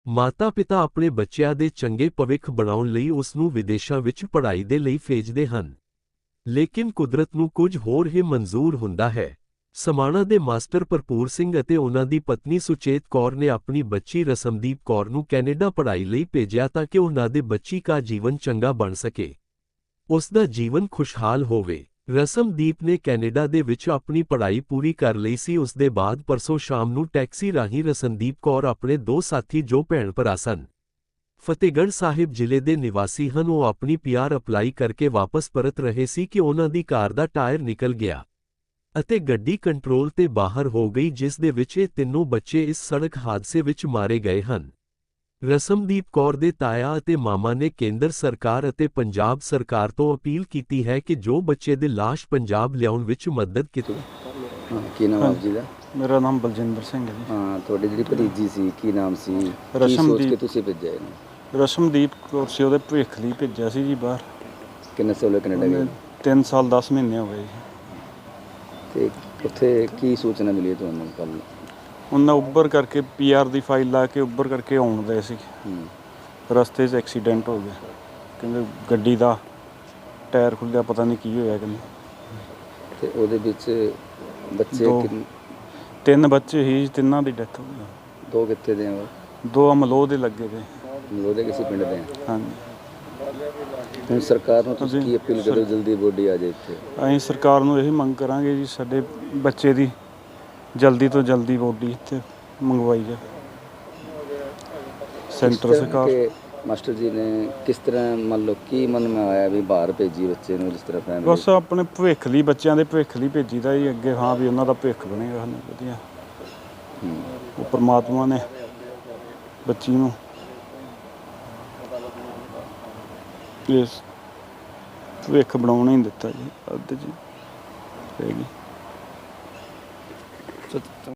ਮਾਤਾ-ਪਿਤਾ ਆਪਣੇ ਬੱਚਿਆਂ ਦੇ ਚੰਗੇ ਭਵਿੱਖ ਬਣਾਉਣ ਲਈ ਉਸ ਨੂੰ ਵਿਦੇਸ਼ਾਂ ਵਿੱਚ ਪੜ੍ਹਾਈ ਦੇ ਲਈ ਭੇਜਦੇ ਹਨ। ਲੇਕਿਨ ਕੁਦਰਤ ਨੂੰ ਕੁਝ ਹੋਰ ਹੀ ਮਨਜ਼ੂਰ ਹੁੰਦਾ ਹੈ। ਸਮਾਣਾ ਦੇ ਮਾਸਟਰ ਭਰਪੂਰ ਸਿੰਘ ਅਤੇ ਉਹਨਾਂ ਦੀ ਪਤਨੀ ਸੁਚੇਤ ਕੌਰ ਨੇ ਆਪਣੀ ਬੱਚੀ ਰਸਮਦੀਪ ਕੌਰ ਨੂੰ ਕੈਨੇਡਾ ਪੜ੍ਹਾਈ ਲਈ ਭੇਜਿਆ ਤਾਂ ਕਿ ਉਹਨਾਂ ਦੇ ਬੱਚੀ ਦਾ ਜੀਵਨ ਚੰਗਾ ਬਣ ਸਕੇ। ਉਸ ਦਾ ਜੀਵਨ ਖੁਸ਼ਹਾਲ ਹੋਵੇ। ਰਸਮਦੀਪ ਨੇ ਕੈਨੇਡਾ ਦੇ ਵਿੱਚ ਆਪਣੀ ਪੜ੍ਹਾਈ ਪੂਰੀ ਕਰ ਲਈ ਸੀ। ਉਸ ਦੇ ਬਾਅਦ ਪਰਸੋਂ ਸ਼ਾਮ ਨੂੰ ਟੈਕਸੀ ਰਾਹੀਂ ਰਸਮਦੀਪ ਕੌਰ ਆਪਣੇ ਦੋ ਸਾਥੀ ਜੋ ਭੈਣ ਭਰਾ ਸਨ, ਫਤਿਹਗੜ੍ਹ ਸਾਹਿਬ ਜ਼ਿਲ੍ਹੇ ਦੇ ਨਿਵਾਸੀ ਹਨ, ਉਹ ਆਪਣੀ ਪੀਆਰ ਅਪਲਾਈ ਕਰਕੇ ਵਾਪਸ ਪਰਤ ਰਹੇ ਸੀ ਕਿ ਉਹਨਾਂ ਦੀ ਕਾਰ ਦਾ ਟਾਇਰ ਨਿਕਲ ਗਿਆ ਅਤੇ ਗੱਡੀ ਕੰਟਰੋਲ ਤੇ ਬਾਹਰ ਹੋ ਗਈ, ਜਿਸ ਦੇ ਵਿੱਚ ਇਹ ਤਿੰਨੋਂ ਬੱਚੇ ਇਸ ਸੜਕ ਹਾਦਸੇ ਵਿੱਚ ਮਾਰੇ ਗਏ ਹਨ। ਰਸਮਦੀਪ ਕੌਰ ਦੇ ਤਾਇਆ ਅਤੇ ਮਾਮਾ ਨੇ ਕੇਂਦਰ ਸਰਕਾਰ ਅਤੇ ਪੰਜਾਬ ਸਰਕਾਰ ਤੋਂ ਅਪੀਲ ਕੀਤੀ ਹੈ ਕਿ ਜੋ ਬੱਚੇ ਦੀ ਲਾਸ਼ ਪੰਜਾਬ ਲਿਆਉਣ ਵਿੱਚ ਮਦਦ ਕੀਤੀ। ਕੀ ਨਾਮ ਆਪ ਜੀ ਦਾ? ਮੇਰਾ ਨਾਮ ਬਲਜਿੰਦਰ ਸਿੰਘ ਹੈ ਜੀ। ਹਾਂ, ਤੁਹਾਡੀ ਜਿਹੜੀ ਭਤੀਜੀ ਸੀ ਕੀ ਨਾਮ ਸੀ? ਰਸ਼ਮਦੀਪ। ਕੀ ਸੋਚ ਕੇ ਤੁਸੀਂ ਭੇਜਿਆ ਇਹਨੂੰ? ਰਸ਼ਮਦੀਪ ਕੌਰ ਸੀ, ਉਹਦੇ ਭਵਿੱਖ ਲਈ ਭੇਜਿਆ ਸੀ ਜੀ ਬਾਹਰ। ਕਿੰਨੇ ਸਾਲ ਕੈਨੇਡਾ ਗਏ? 3 ਸਾਲ 10 ਮਹੀਨੇ ਹੋ ਗਏ ਜੀ। ਤੇ ਉੱਥੇ ਕੀ ਸੂਚਨਾ ਮਿਲੀ ਤੁਹਾਨੂੰ ਕੱਲ੍ਹ? ਉਹਨਾਂ ਉੱਬਰ ਕਰਕੇ ਪੀਆਰ ਦੀ ਫਾਈਲ ਲਾ ਕੇ ਉੱਬਰ ਕਰਕੇ ਆਉਣ ਦੇ ਸੀ। ਰਸਤੇ 'ਚ ਐਕਸੀਡੈਂਟ ਹੋ ਗਿਆ। ਕਹਿੰਦੇ ਗੱਡੀ ਦਾ ਟਾਇਰ ਖੁੱਲ੍ਹਿਆ, ਪਤਾ ਨਹੀਂ ਕੀ ਹੋਇਆ ਕਹਿੰਦੇ। ਤੇ ਉਹਦੇ ਵਿੱਚ ਬੱਚੇ 3 ਬੱਚੇ ਸੀ, ਤਿੰਨਾਂ ਦੀ ਡੈਥ ਹੋ ਗਈ। 2 ਕਿੱਥੇ ਦੇ ਆ? 2 ਅਮਲੋਹ ਦੇ ਲੱਗੇ ਤੇ। ਉਹਦੇ ਕਿਸੇ ਪਿੰਡ ਦੇ ਆ? ਹਾਂਜੀ। ਹੁਣ ਸਰਕਾਰ ਨੂੰ ਤੁਸੀਂ ਕੀ ਅਪੀਲ ਕਰੋ ਜਲਦੀ ਬੋਡੀ ਆ ਜਾਏ ਇੱਥੇ? ਅਸੀਂ ਸਰਕਾਰ ਨੂੰ ਇਹੀ ਮੰਗ ਕਰਾਂਗੇ ਜੀ, ਸਾਡੇ ਬੱਚੇ ਦੀ ਜਲਦੀ ਤੋਂ ਜਲਦੀ ਬੋਡੀ ਇੱਥੇ ਮੰਗਵਾਈ ਜਾਏ। ਸੈਂਟਰ ਸਰਕਾਰ ਮਾਸਟਰ ਜੀ ਨੇ ਕਿਸ ਤਰ੍ਹਾਂ ਮੰਨ ਲਓ ਕੀ ਮਨ ਮੈਂ ਆਇਆ ਵੀ ਬਾਹਰ ਭੇਜੀ ਬੱਚੇ ਨੂੰ, ਜਿਸ ਤਰ੍ਹਾਂ ਫੈਮਿਲੀ ਬਸ ਆਪਣੇ ਭਵਿੱਖ ਲਈ, ਬੱਚਿਆਂ ਦੇ ਭਵਿੱਖ ਲਈ ਭੇਜੀਦਾ ਜੀ ਅੱਗੇ। ਹਾਂ ਵੀ ਉਹਨਾਂ ਦਾ ਭਵਿੱਖ ਬਣੇਗਾ ਸਾਨੂੰ ਵਧੀਆ। ਉਹ ਪਰਮਾਤਮਾ ਨੇ ਬੱਚੀ ਨੂੰ ਇਸ ਭਵਿੱਖ ਬਣਾਉਣਾ ਹੀ ਦਿੱਤਾ ਜੀ। ਅੱਧ ਜੀ ਹੈਗੀ।